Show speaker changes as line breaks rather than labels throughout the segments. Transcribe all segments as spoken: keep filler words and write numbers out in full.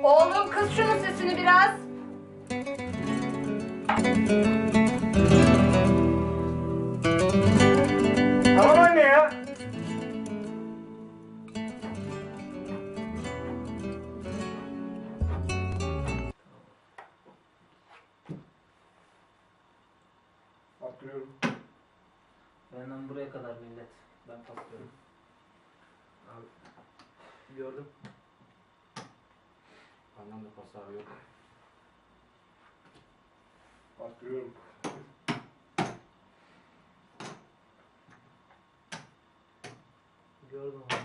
Oğlum kız şunun sesini biraz.
Tamam anne ya. Attırıyorum.
Benden buraya kadar millet. Ben patlıyorum.
Abi.
Gördüm.
Benden de pas abi yok. Attırıyorum.
Gördüm abi.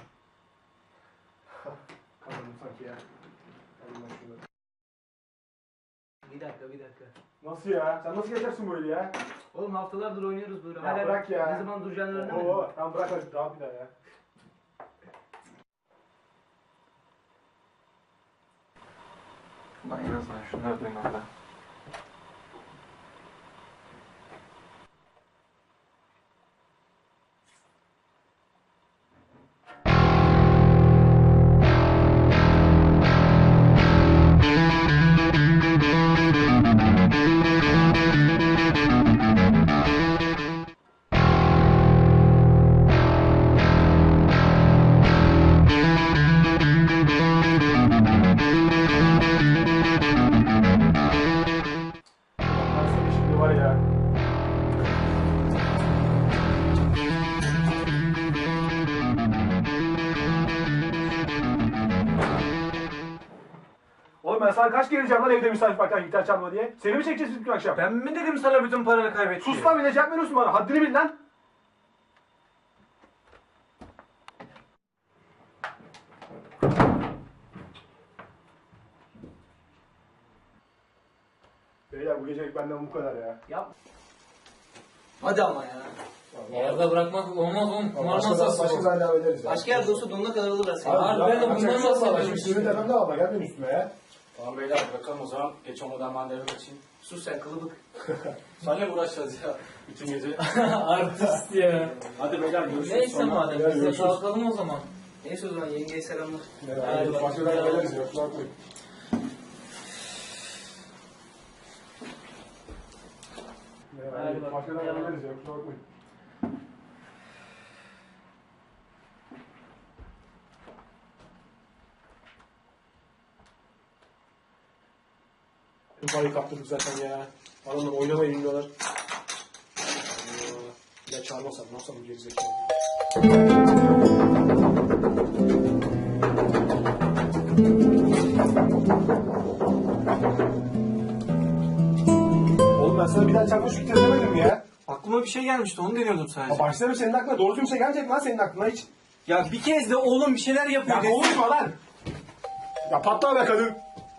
Kazandım sanki ya. Alayım ben şunu.
Bir dakika bir dakika.
Nasıl ya? Sen nasıl geçersin böyle ya?
Oğlum haftalardır oynuyoruz böyle.
Ya
Hala
bırak ya.
Ne zaman duracağını öğrenemedin.
Oo, tamam bırak hadi daha bir daha ya.
Lan en azından şunları duymam ben.
Ben seni şimdi var ya. Oğlum ben sana kaç kere diyeceğim lan evde misafir varken gitar çalma diye. Seni mi çekeceğiz bütün akşam?
Ben mi dedim sana bütün paranı kaybet diye?
Sus lan bir de cevap veriyorsun bana. Haddini bil lan. Beyler bu gecelik benden bu kadar ya.
Yap. Hadi ama ya.
Yerde bırakmak olmaz oğlum. Kumar
Başka,
masası
başka
bu.
zaman devam ederiz ya.
Başka yerde olsa donuna kadar alırlar seni.
Abi, ben de bundan bahsediyorum işte.
Suyunu tepemde alma gel benim üstüme ya.
Tamam beyler bırakalım o zaman. Geç olmadan ben de eve kaçayım.
Sus sen kılıbık.
Seninle mi uğraşacağız ya bütün gece?
Artist ya.
Hadi beyler görüşürüz.
Neyse
sonra.
madem
Ya,
biz de
görüşürüz.
kalkalım o zaman.
Neyse o zaman yengeye selamlar.
Hadi başka zaman devam ederiz ya. Kusura bakmayın.
Hadi bak.
Başka zaman devam ederiz ya. Kusura bakmayın. Parayı kaptırdık zaten ya. Adamlar oynamayı bilmiyorlar. Ee, Ya çağırmasam ne yapsam bu gerizekalı. Oğlum ben sana bir daha çarpma şu gitarı demedim mi ya?
Aklıma bir şey gelmişti onu deniyordum
Ya
sadece.
başlarım senin aklına doğru düzgün bir şey gelecek lan senin aklına hiç.
Ya bir kez de oğlum bir şeyler yapıyor.
Ya
dedim.
konuşma lan. Ya patla be kadın.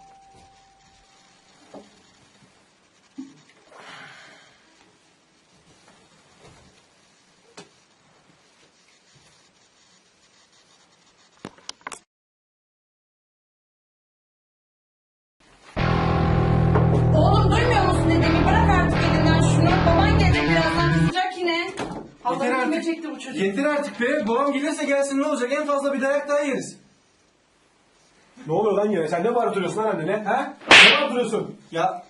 Oğlum duymuyor musun dediğimi? Bırak artık elinden şunu. Baban gelecek birazdan kızacak yine.
Yeter
Allah'ım kime
artık.
çekti bu çocuk?
Yeter artık be. Babam gelirse gelsin ne olacak? En fazla bir dayak daha yeriz.
Ne oluyor lan yine? Sen ne bağırıp duruyorsun lan annene?
He?
Ne bağırıp duruyorsun?
Ya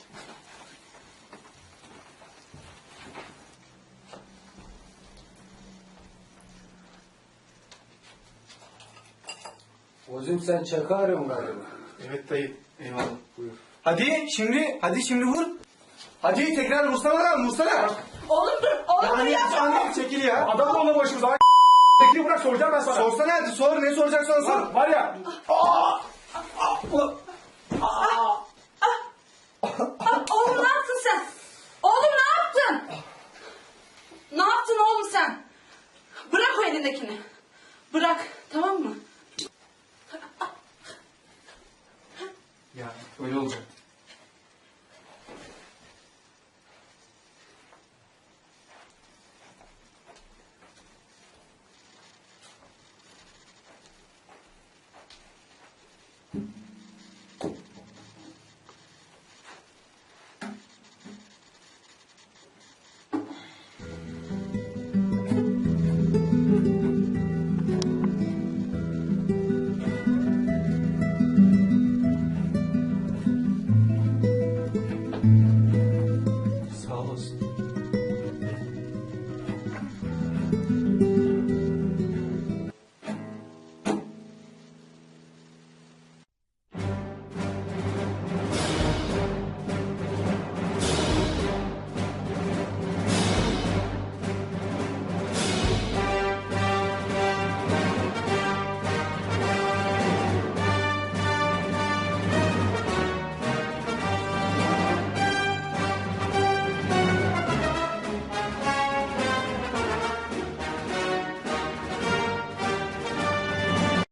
Ozim sen çaka arıyorsun galiba.
evet dayı. Eyvallah. Buyur. Hadi şimdi, hadi şimdi vur. Hadi tekrar vursana lan, vursana.
Oğlum dur. Oğlum dur
Anne,
yapma.
anne çekil ya.
Adam olma başımıza. Bekle bırak soracağım ben sana.
Sorsana hadi sor, ne soracaksan sor.
Lan var ya.
Aa, oğlum ne yaptın sen? Oğlum ne yaptın? Ne yaptın oğlum sen? Bırak o elindekini. Bırak tamam mı?
Ya öyle olacak.